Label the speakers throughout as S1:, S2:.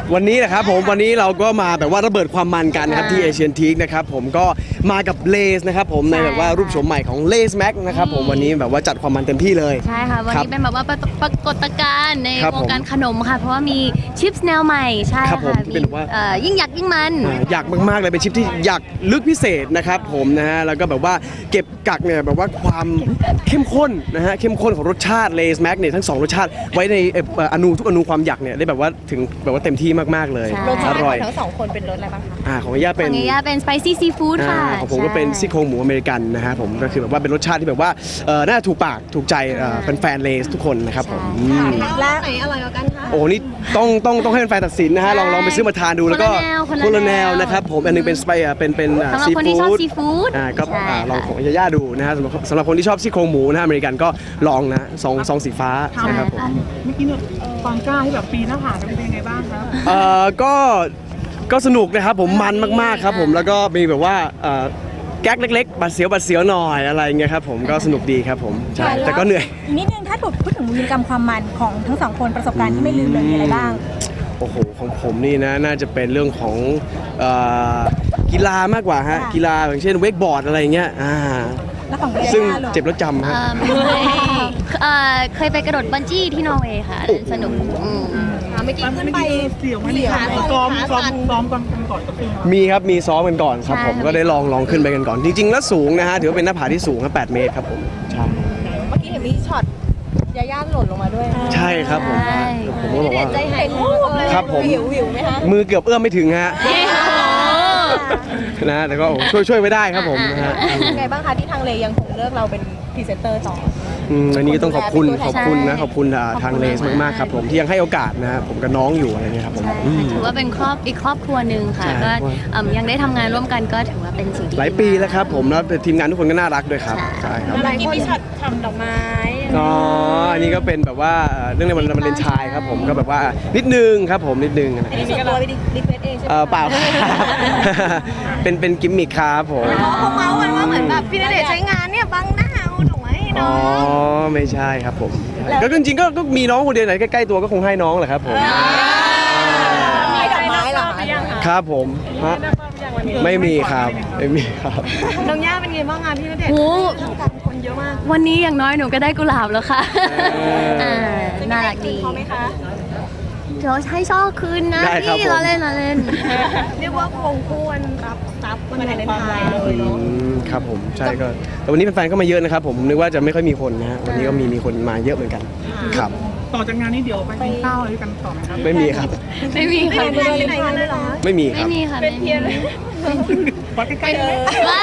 S1: วันนี้นะครับผมวันนี้เราก็มาแบบว่าระเบิดความมันกันนะครับที่เอเชียนทีคนะครับผมก็มากับเลสนะครับผมในแบบว่ารูปโฉมใหม่ของเลสแม็กนะครับผมวันนี้แบบว่าจัดความมันเต็มที่เลย
S2: ใช่ค่ะวันนี้เป็นแบบว่าปรากฏการณ์ในวงการขนมค่ะเพราะว่ามีชิปแนวใหม่ใช่ค่ะ
S1: ที่เป็นว่า
S2: ยิ่งอยากยิ่งมัน
S1: อยากมากๆเลยเป็นชิปที่อยากลึกพิเศษนะครับผมนะฮะแล้วก็แบบว่าเก็บกักเนี่ยแบบว่าความเข้มข้นนะฮะเข้มข้นของรสชาติเลสแม็กเนี่ยทั้ง2รสชาติไว้ในทุกอนูความอยากเนี่ยได้แบบว่าถึงแบบว่าเต็มที่มากๆเลย
S3: อร่อยทั้ง2คนเป็นรสอะไรบ้างคะ
S1: ของย่าเป็น
S2: สไปซี่ซีฟู้ดค่ะ
S1: ของผมก็เป็นซี่โครงหมูอเมริกันนะฮะผมก็คือแบบว่าเป็นรสชาติที่แบบว่าน่าถูกปากถูกใจแฟนเลสทุกคนนะครับผม
S3: และไหนอร่อยกว่ากันคะ
S1: โอ้นี่ต้องให้แฟนตัดสินนะฮะลองไปซื้อมาทานดูแล้วก็คนละแนวนะครับผมอันนึงเป็นเป็น
S2: ซีฟู้ด
S1: ก็ลองของย่าดูนะฮะสำหรับคนที่ชอบซี่โครงหมูนะอเมริกันก็ลองนะซองสีฟ้านะครับผม
S4: เมื่อกี้เนี่ยความกล้าที่แบบปีนหน้าผาเป็นยังไงบ้างครับ
S1: ก็สนุกนะครับผมมันมากๆครับผมแล้วก็มีแบบว่าแก๊กเล็กๆบัดเสียวหน่อยอะไรเงี้ยครับผมก็สนุกดีครับผมใช่แต่ก็เหนื่อย
S3: นิดนึงถ้าถูกพูดถึงวีรกรรมความมันของทั้ง2คนประสบการณ์ที่ไม่ลืมเลยมีอะไรบ้าง
S1: โอ้โหของผมนี่นะน่าจะเป็นเรื่องของกีฬามากกว่าฮะกีฬาอย่างเช่นเวกบอร์ดอะไรเงี้ยซึ่งเจ็บแล้วจำฮะ
S2: เคยไปกระโดดบันจี้ที่นอร์เวย์ค่ะสนุก
S3: เมื่อกี้ขึ้นไป
S4: เสี่ยวไม่เสี่ยวซ้อมกันก่อน
S1: มีครับมีซ้อมกันก่อนครับผมก็ได้ลองขึ้นไปกันก่อนจริงๆแล้วสูงนะฮะถือว่าเป็นหน้าผาที่สูงครับ8 เมตรครับผมใช่
S3: เมื่อกี้เห็นมีช็อตยาย่าหล่นลงมาด้วย
S1: ใช่ครับผมก็บอกว่า
S3: ใจหาย
S1: ครับผม
S3: หิวไหมคะ
S1: มือเกือบเอื้อมไม่ถึงฮะนะแต่ก็ช่วยไว้ได้ครับผมนะฮะ
S3: ไงบ้างคะที่ทางเลยังคงเลือกเราเป็นพรีเซนเตอร์ต่อ
S1: อันนี้ก็ต้องขอบคุณทางเลสมากๆครับผมที่ยังให้โอกาสนะผมกับน้องอยู่อะไรเงี้ยครับผม
S2: ถือว่าเป็นอีกครอบครัวหนึ่งค่ะก็ยังได้ทำงานร่วมกันก็ถือว่าเป็นสิ่งที่
S1: หลายปีแล้วครับผมแล้วทีมงานทุกคนก็น่ารักด้วยครับใช่ครับ
S3: หลายคนมีช็อตทำดอกไม้
S1: อันนี้ก็เป็นแบบว่าเรื่องในวันวาเลนไทน์ครับผมก็แบบว่านิดนึงครับผมนิดนึง
S3: อันนี้ส่วนตัวไปรีเควสเองใช่ไหม
S1: เปล่าเป็นกิมมิคครับผม
S3: เขาเมาส์กันว่าเหมือนแบบพี่ณเดชน์ใช้งานเนี่ยบังหน้าเอาดอกไม้ให้น้อง
S1: ไม่ใช่ครับผมก็จริงๆก็มีน้องคนเดียวไหนใกล้ๆตัวก็คงให้น้องแหละครับผม
S3: มีดอกไม้เหรอ
S1: ครับผมไม่มีครับ
S3: น้องย่าเป็นไงบ้างงานพี่ณเดชน์คนเยอะมาก
S2: วันนี้อย่างน้อยหนูก็ได้กุหลาบแล้วค่ะน่ารักดี
S3: พอไหมคะ
S2: เดี๋ยวให้ช่อคืนนะพี่เราเล่น
S3: เรียกว่าควงคู่วันรับทรัพย์วันวาเลนไทน์เลยเนาะ
S1: ครับผมใช่ก็แต่วันนี้แฟนๆก็มาเยอะนะครับผมนึกว่าจะไม่ค่อยมีคนนะฮะวันนี้ก็มีคนมาเยอะเหมือนกันครับ
S4: ต่อจากงานนี้เดี๋ยวไปกินข้าวอะไรกันต่อไหมครับ
S1: ไม่มีครับ
S2: ไม่มีค่ะ
S1: ไม่มีครับ
S2: ไม่มีค่ะ
S3: เป็นเพียร์เลย
S4: วัดใกล้ๆเลย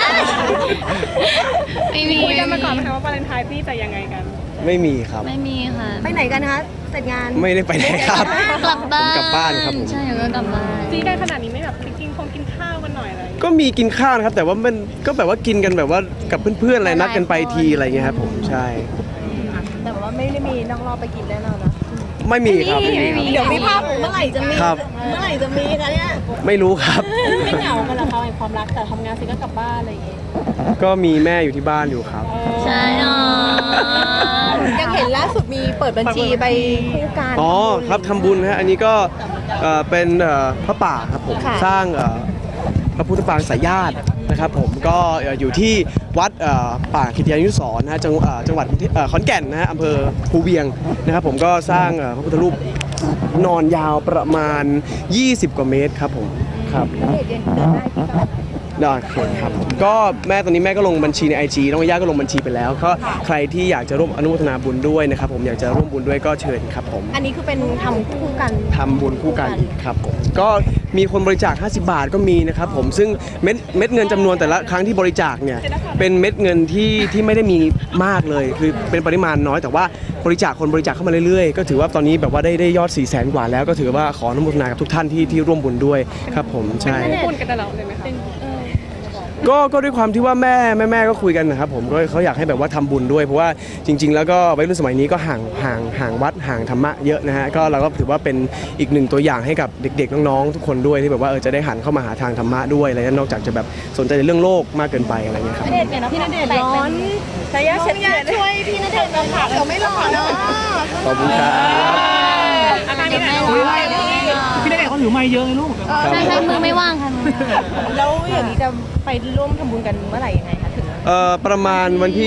S2: ไม่มี
S3: คุยกันมาก่อนไหมคะว่าวาเลนไทน์พี่จะยังไงกัน
S1: ไม่มีครับ
S2: ไม่มีค่ะ
S3: ไปไหนกันคะเสร็จงาน
S1: ไม่ได้ไปไหนครับ
S2: กลับบ้าน
S1: ครับผม
S2: ใช่ก็กลับบ้าน
S3: ซีกันขนาดนี้ไม่แบบกินข้าวกันหน่อยอะไร
S1: ก็มีกินข้าวนะครับแต่ว่ามันก็แบบว่ากินกันแบบว่ากับเพื่อนๆอะไรนัดกันไปทีอะไรเงี้ยครับผมใช่
S3: แต่ว่าไม่ได้มีนอกรอบไปกินแน่นอนนะ
S1: ไม่มีครับ
S3: เดี๋ยวมีภาพเมื่อไหร่จะมีคะเนี่ย
S1: ไม่รู้ครับ
S3: ไม่เหงากันหรอคะในความรักแต่ทำงานเสร็จก็กลับบ้านอะไรอย่างเงี้ย
S1: ก็มีแม่อยู่ที่บ้านอยู่ครับ
S2: ใช่
S3: ยังเห็นล่าสุดมีเปิดบัญชีไปคู่กัน
S1: ครับทำบุญนะฮะอันนี้ก็เป็นพระป่าครับผมสร้างพระพุทธปางสายญาตินะครับผมก็อยู่ที่วัดป่าคิทยานุสรณ์นะฮะจังหวัดขอนแก่นนะฮะอำเภอภูเวียงนะครับผมก็สร้างพระพุทธรูปนอนยาวประมาณ20 กว่าเมตรครับผมครับได้ครับก็ตอนนี้แม่ก็ลงบัญชีใน IG น้องย่าก็ลงบัญชีไปแล้วก็ใครที่อยากจะร่วมอนุโมทนาบุญด้วยนะครับผมอยากจะร่วมบุญด้วยก็เชิญครับผม
S3: อันนี้คือเป็นทำคู่กัน
S1: ทำบุญคู่กันครับผมก็มีคนบริจาค50 บาทก็มีนะครับผมซึ่งเม็ดเงินจำนวนแต่ละครั้งที่บริจาคเนี่ยเป็นเม็ดเงินที่ไม่ได้มีมากเลยคือเป็นปริมาณน้อยแต่ว่าบริจาคเข้ามาเรื่อยๆก็ถือว่าตอนนี้แบบว่าได้ยอด 400,000 กว่าแล้วก็ถือว่าขออนุโมทนากับทุกท่านที่ร่วมบุญด้วยครับผมใช่
S3: บุญกันตลอดเลยไหมคะ
S1: ก็ด้วยความที่ว่าแม่ก็คุยกันนะครับผมก็เขาอยากให้แบบว่าทำบุญด้วยเพราะว่าจริงๆแล้วก็วัยรุ่นสมัยนี้ก็ห่างวัดห่างธรรมะเยอะนะฮะก็เราก็ถือว่าเป็นอีกหนึ่งตัวอย่างให้กับเด็กๆน้องๆทุกคนด้วยที่แบบว่าจะได้หันเข้ามาหาทางธรรมะด้วยอะไรนอกจากจะแบบสนใจในเรื่องโลกมากเกินไปอะไรเงี้ยครับ
S3: พี่ณเดชน์ร้อนชายาช่วยพี่ณเดชน์นะคะเราไม่หล่อเนาะ
S1: ขอบคุณครับ
S4: พี่ณเดชน์เขาถือถือไม้เยอะเลยลูก
S2: ใช่ใช่มือไม่ว่างค่ะมือไม่ว่าง
S3: แล้วอย่างนี้จะไปร่วมทำบุญกันเมื่อไหร่ยังไงคะถึง
S1: ประมาณวันที่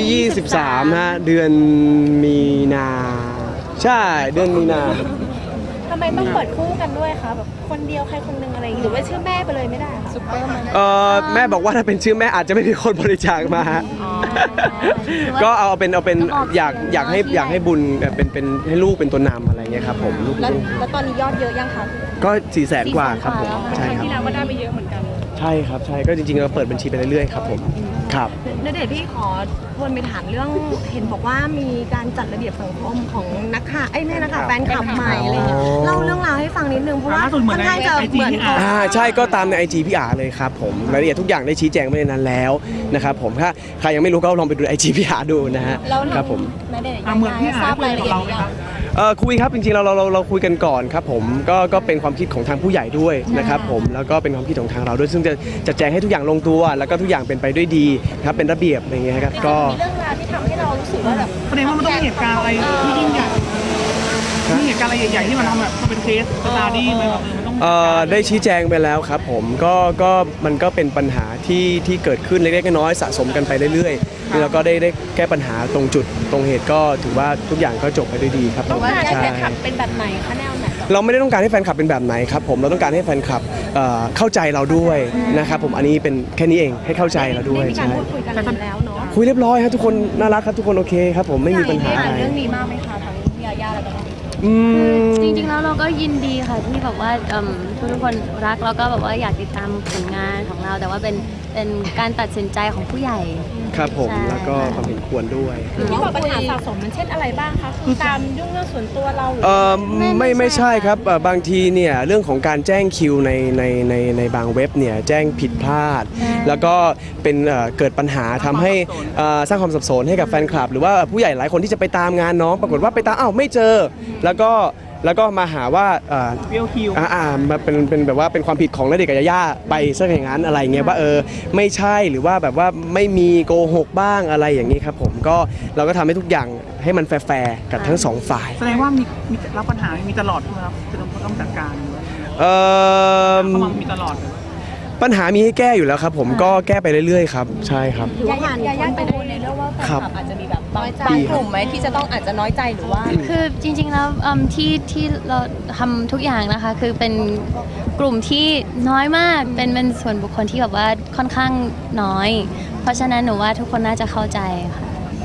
S1: 23 ฮะ เดือนมีนา ใช่เดือนมีนา
S3: ทำไมต้องเปิดคู่กันด้วยคะแบบคนเดียวใครคนหนึงอะไรอย่างงี้หรือว่าชื่อแม่ไปเลยไม่ได้คะซุปเปอร์มัน
S1: แม่บอกว่าถ้าเป็นชื่อแม่อาจจะไม่มีคนบริจาคมาฮะก็เอาเป็นอยากให้บุญเป็นให้ลูกเป็นตัวนำอะไรเงี้ยครับผมลูก
S3: แล้วตอนนี้ยอดเยอะยังคะ
S1: ก็400,000 กว่าครับผมใช่ครับ
S4: ที่แล้วก็ได้ไปเยอะเหมือนกัน
S1: ใช่ครับใช่ก็จริงๆเราเปิดบัญชีไปเรื่อยๆครับผมครับ
S3: ณเดชน์พี่ขอวนไปถามเรื่องเห็นบอกว่ามีการจัดระเบียบสังคมของนักข่าวไม่นักข่าวแฟนคลับใหม่อะไรเงี้ยเล่าเรื่องราวให้ฟังนิดนึงเพราะว่า
S4: ล่าสุดเหมื
S3: ค่
S4: อ
S3: อน นข้างจะ
S4: ใน IG
S3: เหมือนเขา
S1: ใช่ก็ตามใน IG พี่อาเลยครับผมรายละเอียดทุกอย่างได้ชี้แจงไว้ในนั้นแล้วนะครับผมถ้าใครยังไม่รู้ก็ลองไปดู IG พี่อาดูนะฮะ
S3: แล้ว
S1: ครับผม
S3: ณเดชน์
S4: เหมือนพี่อา
S3: ทราบ
S4: คุย
S3: รายละ
S4: กับ
S3: เอียด
S4: เรา
S3: ห
S4: ไหม
S3: รือ
S4: ค
S3: ยั
S4: รับ
S3: ง
S1: คุยครับจริงๆเราคุยกันก่อนครับผมก็เป็นความคิดของทางผู้ใหญ่ด้วยนะครับผมแล้วก็เป็นความคิดของทางเราด้วยซึ่งจะแจงให้ทุกอย่างลงตัวแล้วก็ทุกอย่างเป็นไปด้วยดีครับเป็นระเบียบอะไรอย่างเงี้ยครับก็
S3: มีเรื่องราวที่ทำให้เรารู้สึกว่าแบบ
S4: ประเด็นว่ามันต้องมีเหตุการณ์อะไรที่ยิ่งใหญ่มีเหตุการณ์อะไรใหญ่ๆที่มันทำแบบมันเป็นเคสสตาร์ดี้ไหมแบบมันต้อง
S1: ได้ชี้แจงไปแล้วครับผมก็มันก็เป็นปัญหาที่เกิดขึ้นเล็กๆน้อยๆสะสมกันไปเรื่อยๆแล้วก็ได้แก้ปัญหาตรงจุดตรงเหตุก็ถือว่าทุกอย่างก็จบไปด้วยดีครับผ
S3: ต้อ
S1: ม
S3: งการให้
S1: ใช่
S3: แฟนคลับเป็นแบบไหนคะแนวไหนเหรอ
S1: เราไม่ได้ต้องการให้แฟนคลับเป็นแบบไหนครับผมเราต้องการให้แฟนคลับเข้าใจเราด้วยนะครับผมอันนี้เป็นแค่นี้เองให้เข้าใจเราด้วย
S3: ได้มีการ
S1: ใช่
S3: พูดคุยกันแล้วเนาะ
S1: คุยเรียบร้อยครับทุกคนน่ารักครับทุกคนโอเคครับผมไม่มีปัญหาอะไร
S3: เรื่องนี้มากไหมคะทั้งพี่ยาย่าแล้วก็น้อง
S1: อืม
S2: จริงๆแล้วเราก็ยินดีค่ะที่แบบว่าทุกคนรักแล้วก็แบบว่าอยากติดตามผลงานของเรา แต่ว่าเป็นการตัดสินใจของผู้ใหญ่
S1: ครับผม
S2: ใช่
S1: แล้วก็ความเห็นควรด้วย
S3: ที่บอกปัญหาสะสมมันเช่นอะไรบ้างคะคือตามยุ่งเรื่องส่วนตัวเราหรือ
S1: ไม่ใช่ครับบางทีเนี่ยเรื่องของการแจ้งคิวในบางเว็บเนี่ยแจ้งผิดพลาด แล้วก็เป็นเกิดปัญหาทำให้สร้างความสับสนให้กับแฟนคลับ หรือว่าผู้ใหญ่หลายคนที่จะไปตามงานน้องปรากฏว่าไปตามไม่เจอ แล้วก็มาหาว่า
S4: เบี้ยวคิว
S1: มาเป็นแบบว่าเป็นความผิดของณเดชน์กับยาย่าไปซะอย่างนั้นอะไรเงี้ยว่าไม่ใช่หรือว่าแบบว่าไม่มีโกหกบ้างอะไรอย่างนี้ครับผมก็เราก็ทำให้ทุกอย่างให้มันแฟร์ๆกับทั้งสองฝ่าย
S4: แสดงว่ามีรับปัญหามีตลอดใช่ไหมครับจะต้องจัดการหรือว่า
S1: เอ่อ
S4: เข้ามามีตลอดเลย
S1: ปัญหามีให้แก้อยู่แล้วครับผมก็แก้ไปเรื่อยๆครับใช่ครับ
S3: ยาย่ากังวลในเรื่องว่าแฟนคลับอาจจะมีแบบบางกลุ่มไหมที่จะต้องอาจจะน้อยใจหรือว่า
S2: คือจริงๆแล้วที่เราทำทุกอย่างนะคะ คือเป็นกลุ่มที่น้อยมากเป็นส่วนบุคคลที่แบบว่าค่อนข้างน้อย เพราะฉะนั้นหนูว่าทุกคนน่าจะเข้าใจค่ะ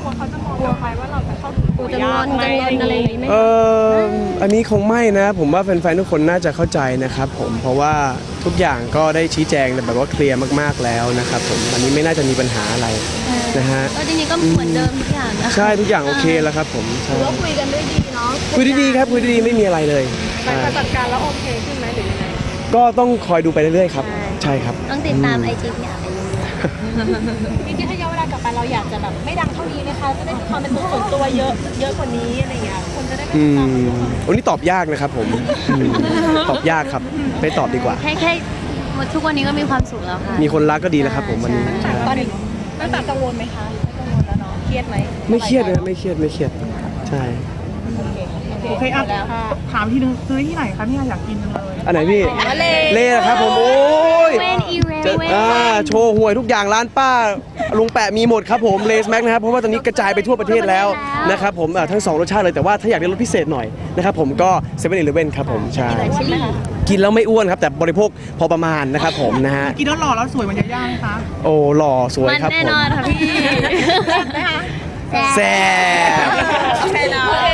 S3: กูจะงอนอะไรอย่างนี้ไหม
S1: อันนี้คงไม่นะผมว่าแฟนๆทุกคนน่าจะเข้าใจนะครับผมเพราะว่าทุกอย่างก็ได้ชี้แจงแบบว่าเคลียร์มากๆแล้วนะครับผมอันนี้ไม่น่าจะมีปัญหาอะไรนะฮะ
S2: ก็จริงๆก็เหมือนเดิมทุกอย่างนะคะ
S1: ใช่ทุกอย่างโอเคแล้วครับผมใช่
S3: ก็คุยกันด้วยดีเนาะ
S1: คุยดีๆครับคุยดีๆไม่มีอะไรเลยใช่
S3: จัดการแล้วโอเคขึ้นไหมหรือยังไง
S1: ก็ต้องคอยดูไปเรื่อยๆครับใช่ครับ
S2: ต้องติดตามไอจีพี่อาไปดู
S3: จริงๆถ้าย้อนเวลากลับไปเราอยากจะแบบไม่ดังเท่านี้นะคะจะได้มีความเป็นตัวส่วนตัวเยอะกว่านี้อะไรอย่างเงี้ยคนจะได้ไม่
S1: อื
S3: ติดตาม
S1: มวันนี้ตอบยากนะครับผมตอบยากครับไม่ตอบดีกว่า
S2: แค่ทุกวันนี้ก็มีความสุขแล้วค่ะ
S1: มีคนรักก็ดีแล้วครับผมวันนี้
S2: ใช่
S3: ตอนนี้ตั้งแต่กังวลไหมคะไม่กังวลแล้วเนาะเครียดไหม
S1: ไม่เครียดนะไม่เครียดใช่
S4: โอเคอ่ะถามทีนึงซื้อที่ไหนคะเนี่ยอยากกินจังเลย
S1: อันไหนพี่
S3: เล่
S1: เล่นะครับผมโอ้ย
S2: เวนอีเร
S1: จะ
S2: เวน
S1: โชว์หวยทุกอย่างร้านป้าลุงแปะมีหมดครับผมเลสแม็กนะครับเพราะว่าตอนนี้กระจายไปทั่วประเทศแล้วนะครับผมทั้ง2รสชาติเลยแต่ว่าถ้าอยากได้รสพิเศษหน่อยนะครับผมก็เซเว่นอีเลฟเว่นครับผมใช่
S2: ชิลลี่
S1: กินแล้วไม่อ้วนครับแต่บริโภคพอประมาณนะครับผมนะฮะ
S4: กินแล้วหล่อแล้วสวยเหมือนยาย่าไหมคะ
S1: โอ้หล่อสวย
S2: มัน
S1: ครับ
S2: แน่
S1: ผม
S2: นอนค่ะพี่
S3: ไหมคะ
S1: แซ่บ
S3: โอเคเนาะ